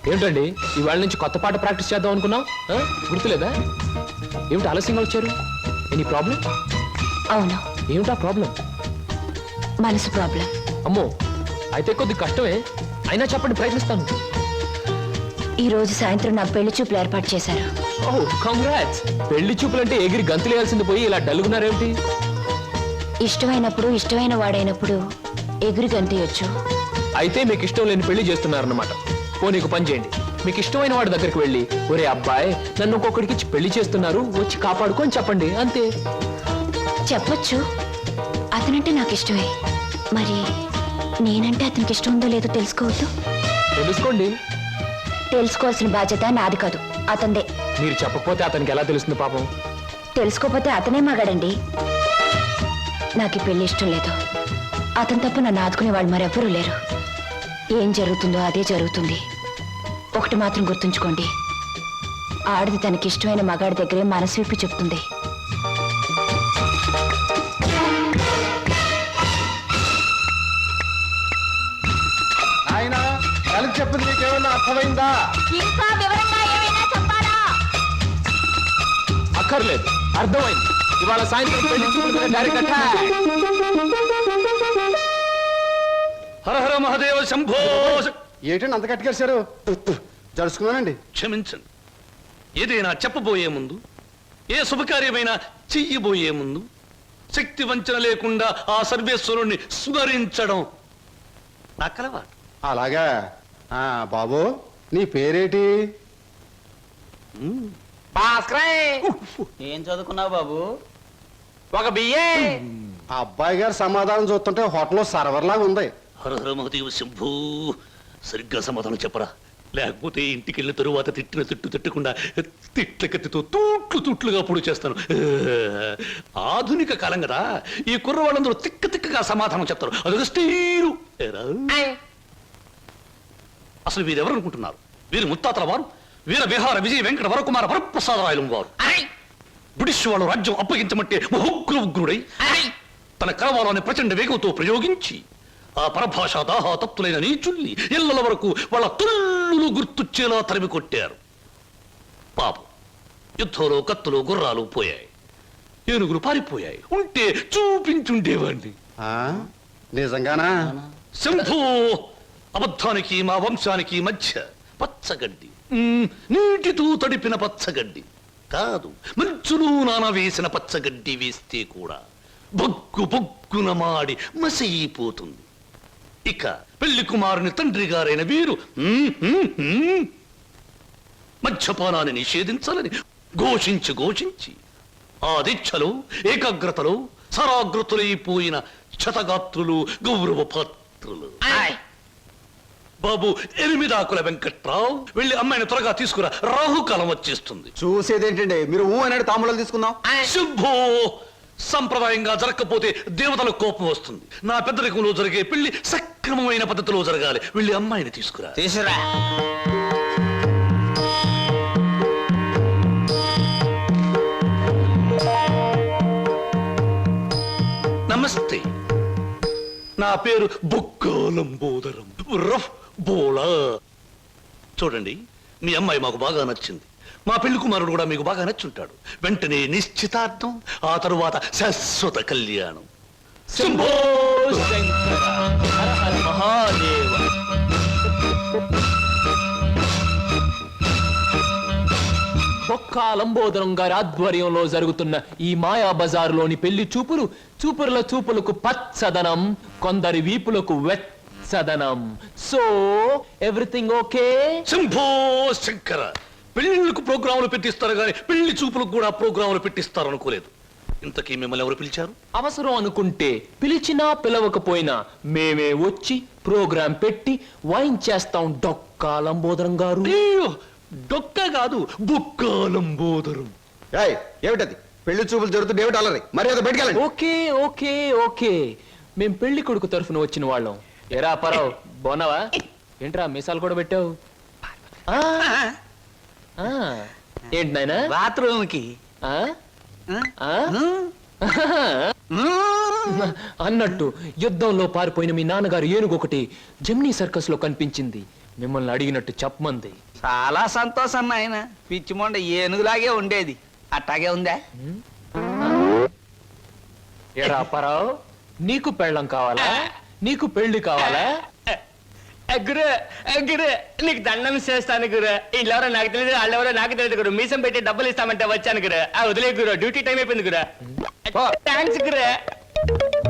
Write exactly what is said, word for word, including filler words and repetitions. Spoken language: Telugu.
ఏమిటండి ఇవాళ నుంచి కొత్త పాట ప్రాక్టీస్ చేద్దాం అనుకున్నాం, గుర్తులేదా? ఏమిటి ఆలస్యంగా వచ్చారు? Any problem? అవును. ఏమిటా ప్రాబ్లం? మనసు ప్రాబ్లం. అమ్మో, అయితే కొద్ది కష్టమే, అయినా చెప్పండి, ప్రయత్నిస్తాను. ఈ రోజు సాయంత్రం నా పెళ్లి చూపులు ఏర్పాటు చేశారు. Oh, congrats. పెళ్లి చూపులంటే ఎగిరి గంతులేయాల్సింది పోయి ఇలా డల్గున్నారేమిటి? ఇష్టమైనప్పుడు ఇష్టమైన వాడైనప్పుడు ఎగురు గంతేయొచ్చు. అయితే మీకు ఇష్టం లేని పెళ్లి చేస్తున్నారన్నమాట. ఓ, నీకు పని చేయండి, మీకు ఇష్టమైన వాడి దగ్గరికి వెళ్ళి, ఒరే అబ్బాయి, నన్ను ఒక్కొక్కడికి ఇచ్చి పెళ్లి చేస్తున్నారు, వచ్చి కాపాడుకొని చెప్పండి, అంతే. చెప్పొచ్చు, అతనంటే నాకు ఇష్టమే. మరి నేనంటే అతనికి ఇష్టం ఉందో లేదో తెలుసుకోవద్దు? తెలుసుకోండి. తెలుసుకోవాల్సిన బాధ్యత నాది కాదు, అతందే. మీరు చెప్పకపోతే అతనికి ఎలా తెలుస్తుంది పాపం? తెలుసుకోకపోతే అతనే మగాడండి. నాకు ఈ పెళ్లి ఇష్టం లేదు. అతను తప్ప నన్ను ఆదుకునే వాళ్ళు మరెవ్వరూ లేరు. ఏం జరుగుతుందో అదే జరుగుతుంది. ఒకటి మాత్రం గుర్తుంచుకోండి, ఆడది తనకి ఇష్టమైన మగాడి దగ్గరే మనసు విప్పి చెప్తుంది. ఆయన కలిసి చెప్పింది నీకేమన్నా అర్థమైందా? ఇంకా వివరంగా ఏమైనా చెప్పాలా? అక్కర్లేదు, అర్థమైంది. ఇవాళ సాయంత్రం పెళ్లి చూపులు డైరెక్ట్ అటాక్. హర హర మహాదేవ శంభో. ఏంటండి అంత కట్టుకేశారు? జరుచుకున్నానండి. క్షమించండి. ఏదైనా చెప్పబోయే ముందు, ఏ శుభకార్యమైనా చెయ్యబోయే ముందు శక్తి వంచన లేకుండా ఆ సర్వేశ్వరుణ్ణి స్మరించడం నా కలవాటు. అలాగా. ఆ బాబు, నీ పేరేటి? ఏం చదువుకున్నావు బాబు? ఒక బియ్యే. ఆ అబ్బాయి గారు సమాధానం చూస్తుంటే హోటల్లో సర్వర్ లాగా ఉంది. హర హర మహాదేవ శంభో. సరిగ్గా సమాధానం చెప్పరా, లేకపోతే ఇంటికి వెళ్ళిన తరువాత తిట్టిన తిట్టు తిట్టకుండా తిట్ల కత్తితో తూట్లు తూట్లుగా పొడి చేస్తాను. ఆధునిక కాలం కదా, ఈ కుర్రవాళ్ళందరూ తిక్క తిక్కగా సమాధానం చెప్తారు. అదొక స్టీరు. అసలు వీరెవరు అనుకుంటున్నారు? వీరు ముత్తాతల వారు వీర విహార విజయ వెంకట వరకుమార వరప్రసాదరాయలు వారు. బ్రిటిష్ వాళ్ళు రాజ్యం అప్పగించమంటే ఉగ్ర ఉగ్రుడై తన కలవాలని ప్రచండ వేగంతో ప్రయోగించి ఆ పరభాషా దాహా తప్తులైన నీచుల్ని ఇళ్ల వరకు వాళ్ళ తుల్లులు గుర్తుచ్చేలా తరిమి కొట్టారు. పాపం, యుద్ధంలో కత్తులు గుర్రాలు పోయాయి, ఏనుగులు పారిపోయాయి. ఉంటే చూపించుండేవాడిని. నిజంగానా? శంభో. అబద్ధానికి మా వంశానికి మధ్య పచ్చగడ్డి, నీటితో తడిపిన పచ్చగడ్డి కాదు, మంచులు నాన వేసిన పచ్చగడ్డి వేస్తే కూడా బొగ్గు బొగ్గున మాడి మసైపోతుంది. ఇక పెళ్లి కుమారుని తండ్రి గారైన వీరు మద్యపానాన్ని నిషేధించాలని ఘోషించి ఘోషించి ఆ దీక్షలో ఏకాగ్రతలో సరాగ్రతులైపోయిన క్షతగాత్రులు, గౌరవ పాత్రులు. బాబు, ఎనిమిదాకుల వెంకట్రావు, వెళ్ళి అమ్మాయిని త్వరగా తీసుకురా, రాహుకాలం వచ్చేస్తుంది. చూసేదేంటండి, మీరు ఊ అన్నాడు తాములు తీసుకుందాం. శుభో. సంప్రదాయంగా జరగకపోతే దేవతల కోపం వస్తుంది. నా పెద్దరికంలో జరిగే పెళ్లి సక్రమమైన పద్ధతిలో జరగాలి. వెళ్ళి అమ్మాయిని తీసుకురా. తీసురా. నమస్తే, నా పేరు బొక్కాలంబోదరం రఫ్ బోలా. చూడండి, మీ అమ్మాయి మాకు బాగా నచ్చింది. మా పెళ్లి కుమారుడు కూడా మీకు బాగా నచ్చుంటాడు. వెంటనే నిశ్చితార్థం, ఆ తరువాత శాశ్వత కళ్యాణం. శంభో శంకర, హర హర మహాదేవ. బొక్కా లంబోదరం గారి ఆధ్వర్యంలో జరుగుతున్న ఈ మాయా బజారులోని పెళ్లి చూపులు చూపుల చూపులకు పచ్చదనం, కొందరి వీపులకు వెచ్చదనం. So everything okay? Shambho Shankara. పెళ్లిళ్ళకు ప్రోగ్రాములు పెట్టిస్తారు కానీ పెళ్లి చూపులకు కూడా ప్రోగ్రాములు పెట్టిస్తారు అనుకోలేదు. ఇంతకీ మిమ్మల్ని ఎవరు పిలిచారు? అవసరం అనుకుంటే, పిలిచినా పిలవకపోయినా మేమే వచ్చి ప్రోగ్రాం పెట్టి వాయించేస్తాం. డొక్కా లంబోదరం గారు. డొక్క కాదు, బొక్కాలంబోదరం. ఏమిటది? పెళ్లి చూపులు జరుగుతుంది, ఏమిటి అల్లరి? మరి అది బయటకెళ్ళండి. ఓకే ఓకే ఓకే, మేం పెళ్లి కొడుకు తరఫున వచ్చిన వాళ్ళం. ఎరా పరావు, బాగున్నావా? ఏంట్రా మీసాలు కూడా పెట్టావు? ఏంటి నాయనా? బాత్రూమ్ కి అన్నట్టు యుద్ధంలో పారిపోయిన మీ నాన్నగారు ఏనుగు ఒకటి జమ్నీ సర్కస్ లో కనిపించింది. మిమ్మల్ని అడిగినట్టు చెప్పమంది. చాలా సంతోషం నాయన. పిచ్చి మొండ ఏనుగులాగే ఉండేది, అట్టాగే ఉందా? ఏరా అప్పారావు, నీకు పెళ్ళం కావాలా? నీకు పెళ్లి కావాలా? గురు గురు నీకు దండం చేస్తాను గురు. వీళ్ళెవరో నాకు తెలియదు, వాళ్ళెవరో నాకు తెలియదు గురు. మీసం పెట్టి డబ్బులు ఇస్తామంటే వచ్చాను గురు. ఆ వదిలే గురు, డ్యూటీ టైం అయిపోయింది గురు. థ్యాంక్స్ గురు.